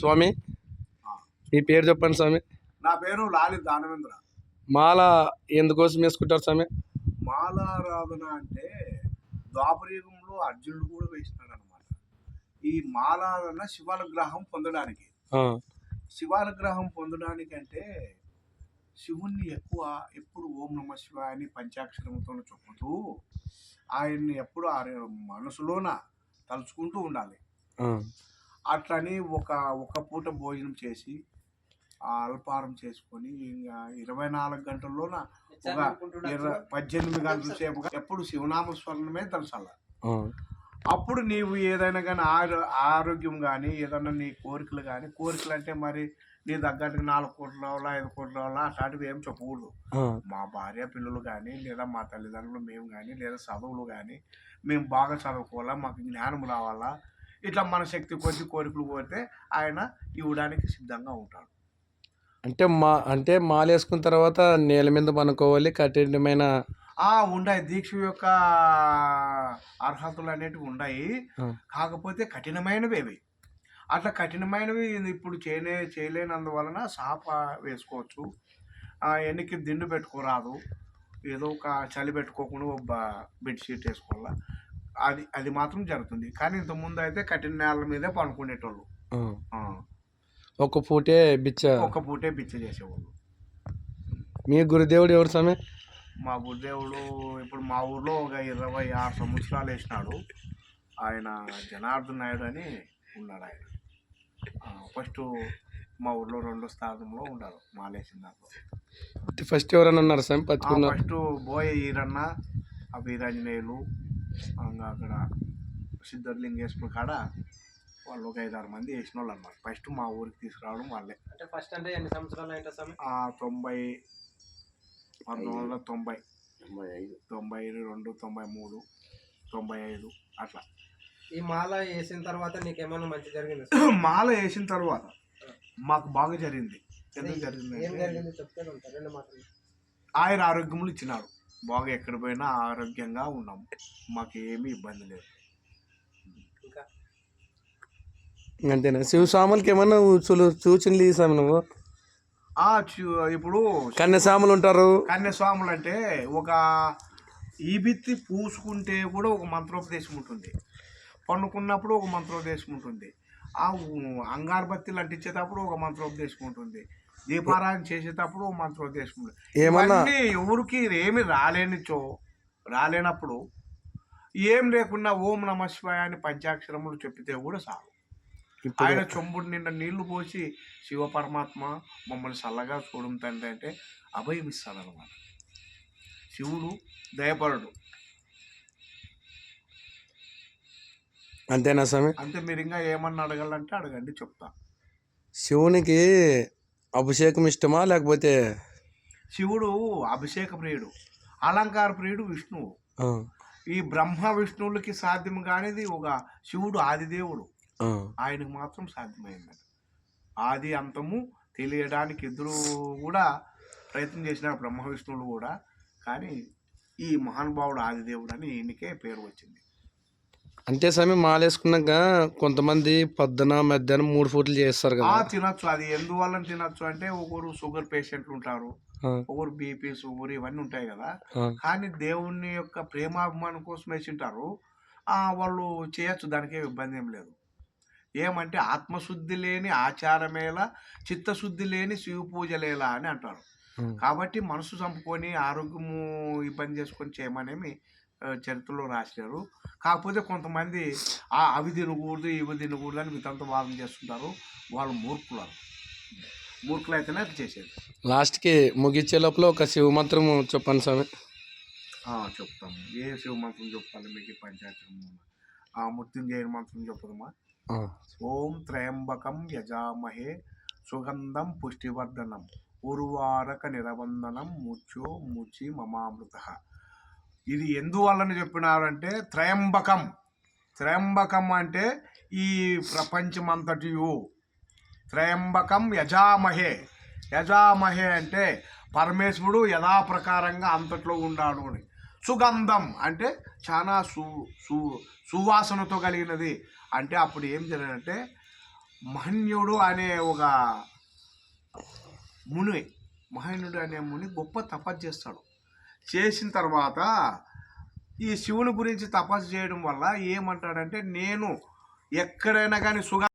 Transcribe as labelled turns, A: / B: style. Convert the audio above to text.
A: స్వామి మీ పేరు చెప్పండి స్వామి.
B: నా పేరు లాలి దానవేంద్ర.
A: మాల ఎందుకోసం వేసుకుంటారు స్వామి?
B: మాలారాధన అంటే ద్వాపరయుగంలో అర్జునుడు కూడా వేసినాడు అనమాట. ఈ మాలారాధన శివానుగ్రహం పొందడానికి. శివానుగ్రహం పొందడానికి అంటే శివుణ్ణి ఎప్పుడు ఓం నమ శివాయ అని పంచాక్షరంతో చెప్పుతూ ఆయన్ని ఎప్పుడు మనసులోన తలుచుకుంటూ ఉండాలి. అట్లని ఒక పూట భోజనం చేసి అల్పారం చేసుకొని ఇంకా 24 గంటల్లోన ఒక 18 గంటల సేపు ఎప్పుడు శివనామ స్మరణమే తలసాల. అప్పుడు నీవు ఏదైనా కానీ ఆరోగ్యం కానీ ఏదైనా నీ కోరికలు అంటే మరి నీ తగ్గట్టుగా 4 కోట్లు రావాలా 5 కోట్లు రావాలా అట్లాంటివి ఏం చెప్పకూడదు. మా భార్య పిల్లలు కానీ లేదా మా తల్లిదండ్రులు మేము కానీ లేదా చదువులు కానీ మేము బాగా చదువుకోవాలా, మాకు జ్ఞానం రావాలా, ఇట్లా మన శక్తి కొద్ది కోరికలు కోరితే ఆయన ఇవ్వడానికి సిద్ధంగా ఉంటాడు.
A: అంటే మాల వేసుకున్న తర్వాత నేల మీద పనుకోవాలి, కఠినమైన
B: ఉన్నాయి దీక్ష యొక్క అర్హతలు అనేటివి ఉన్నాయి. కాకపోతే కఠినమైనవి అవి. అట్లా కఠినమైనవి ఇప్పుడు చేయలేనందువలన సాప వేసుకోవచ్చు. ఎన్నికి దిండు పెట్టుకోరాదు, ఏదో ఒక చలి పెట్టుకోకుండా ఒక బెడ్షీట్ వేసుకోవాలా, అది మాత్రం జరుగుతుంది. కానీ ఇంతకుముందు అయితే కఠిన నేల మీదే పనుకునేటోళ్ళు.
A: ఒక పూటే బిచ్చ
B: చేసేవాళ్ళు.
A: మీ గురుదేవుడు ఎవరు స్వామి?
B: మా గురుదేవుడు ఇప్పుడు మా ఊర్లో ఒక 26 సంవత్సరాలు వేసినాడు. ఆయన జనార్దన్ నాయుడు అని ఉన్నాడు. ఆయన ఫస్ట్ మా ఊర్లో 2వ స్థానంలో ఉన్నాడు మాలేసిన దాంట్లో.
A: ఫస్ట్ ఎవరన్నా ఉన్నారు స్వామి?
B: ఫస్ట్ బోయ ఈరన్న, వీరాంజనేయులు, అక్కడ సిద్ధలింగేశ్వర కాడ వాళ్ళు ఒక 5-6 మంది వేసిన వాళ్ళు అన్నమాట. ఫస్ట్ మా ఊరికి తీసుకురావడం వాళ్ళే.
C: అంటే ఫస్ట్ అంటే ఎన్ని సంవత్సరాలు అయింది స్వామి?
B: 1990, 92, 93, 95 అట్లా.
C: ఈ మాల వేసిన తర్వాత నీకేమన్నా మంచి జరిగింది?
B: మాల వేసిన తర్వాత మాకు బాగా జరిగింది. ఎందుకు జరిగింది ఆయన ఆరోగ్యములు ఇచ్చినాడు. బాగా ఎక్కడ పోయినా ఆరోగ్యంగా ఉన్నాము, మాకు ఏమీ ఇబ్బంది లేదు.
A: అంతేనా? శివస్వాములకి ఏమన్నా సూచనలు ఇస్తాము నువ్వు?
B: ఇప్పుడు
A: కన్యస్వాములు ఉంటారు.
B: కన్యస్వాములు అంటే ఒక ఈబిత్తి పూసుకుంటే కూడా ఒక మంత్రోపదేశం ఉంటుంది, పండుకున్నప్పుడు ఒక మంత్రోపదేశం ఉంటుంది, అంగారబత్తిలు అంటించేటప్పుడు ఒక మంత్రోపదేశం ఉంటుంది, దీపారాధన చేసేటప్పుడు ఒక మంత్రోపదేశం ఉంటుంది. ఇవన్నీ ఎవరికి ఏమి రాలేనప్పుడు ఏం లేకుండా ఓం నమ శివాయ అని పంచాక్షరములు చెప్పితే కూడా చాలు. ఆయన చెంబుడు నిండా నీళ్లు పోసి శివ పరమాత్మ మమ్మల్ని చల్లగా చూడడం తండ్రి అంటే అభయం ఇస్తాడనమాట. శివుడు దయపరుడు.
A: అంతేనా స్వామి?
B: అంతే. మీరు ఇంకా ఏమన్నా అడగాలంటే అడగండి, చెప్తా.
A: శివునికి అభిషేకం ఇష్టమా లేకపోతే?
B: శివుడు అభిషేక ప్రియుడు, అలంకార ప్రియుడు విష్ణువు. ఈ బ్రహ్మ విష్ణువులకి సాధ్యం కానిది ఒక శివుడు ఆదిదేవుడు, ఆయనకు మాత్రం సాధ్యమైంది. ఆది అంతము తెలియడానికి ఇద్దరు కూడా ప్రయత్నం చేసినారు, బ్రహ్మ విష్ణువులు కూడా. కానీ ఈ మహానుభావుడు ఆదిదేవుడు అని ఈయనకే పేరు వచ్చింది.
A: అంటే స్వామి మాలేసుకున్నాక కొంతమంది పొద్దున మధ్యాహ్నం 3 పూటలు చేస్తారు కదా,
B: తినొచ్చు. అది ఎందువల్ల తినొచ్చు అంటే ఒకరు షుగర్ పేషెంట్లు ఉంటారు, ఒకరు బీపీ షుగర్ ఇవన్నీ ఉంటాయి కదా. కానీ దేవుని యొక్క ప్రేమాభిమానం కోసం వేసింటారు, వాళ్ళు చేయొచ్చు, దానికే ఇబ్బంది ఏం లేదు. ఏమంటే ఆత్మశుద్ధి లేని ఆచారమేలా, చిత్తశుద్ధి లేని శివ పూజలేలా అని అంటారు. కాబట్టి మనసు చంపుకొని ఆరోగ్యము ఇబ్బంది చేసుకొని చేయమనేమి చరిత్రలో రాశారు. కాకపోతే కొంతమంది అవి తినకూడదు ఇవి తినకూడదు అని వితంత వాదన చేస్తుంటారు. వాళ్ళు మూర్ఖులు అయితేనే అది చేసేది.
A: లాస్ట్కి ముగించే లోపల ఒక శివ మంత్రం చెప్పండి స్వామి.
B: చెప్తాము. ఏ శివ మంత్రం చెప్పాలి మీకు? పంచాయతీ మృత్యుంజయ మంత్రం చెప్పుదమ్మా. ఓం త్రయంబకం యజామహే సుగంధం పుష్టివర్ధనం ఉర్వారక నిరవందనం ముచి మమామృత. ఇది ఎందువల్లని చెప్పినారంటే త్రయంబకం అంటే ఈ ప్రపంచమంతటియు. త్రయంబకం యజామహే అంటే పరమేశ్వరుడు యథాప్రకారంగా అంతట్లో ఉన్నాడు అని. సుగంధం అంటే చాలా సువాసనతో కలిగినది. అంటే అప్పుడు ఏం జరిగిందంటే మహన్యుడు అనే ఒక ముని మహన్యుడు అనే ముని గొప్ప తపస్సు చేస్తాడు. చేసిన తర్వాత ఈ శివుని గురించి తపస్సు చేయడం వల్ల ఏమంటాడంటే, నేను ఎక్కడైనా కానీ